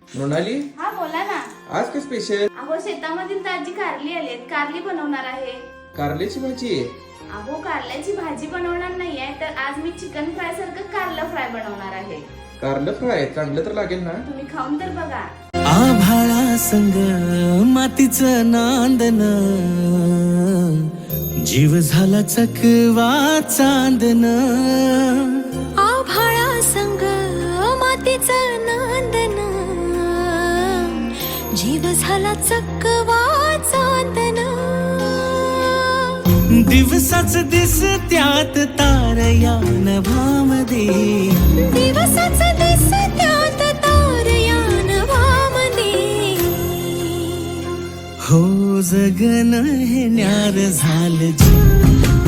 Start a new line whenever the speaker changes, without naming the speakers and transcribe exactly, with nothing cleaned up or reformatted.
मृणाली,
हा बोला ना.
आज काय स्पेशल?
अहो शेतामधील ताजी कारली आलीत, कारली बनवणार आहे.
कारल्याची भाजी आहे.
अहो कारल्याची भाजी बनवणार नाहीये, तर आज मी चिकन फ्राय सारखं कारलं फ्राय बनवणार आहे.
कारलं फ्राय चांगलं तर लागेल ना?
तुम्ही खाऊन तर बघा.
आभाळा संग मातीचं नांदन, जीव झाला चकवा चांदन.
आभाळा संग मातीचं नांदन, जीव झाला चकवा चांदन.
दिवसाच दिस त्यात तारया नभामध्ये,
दिवसाच दिस त्यात तारया नभामध्ये.
हो जगन हे न्यार झालं जी.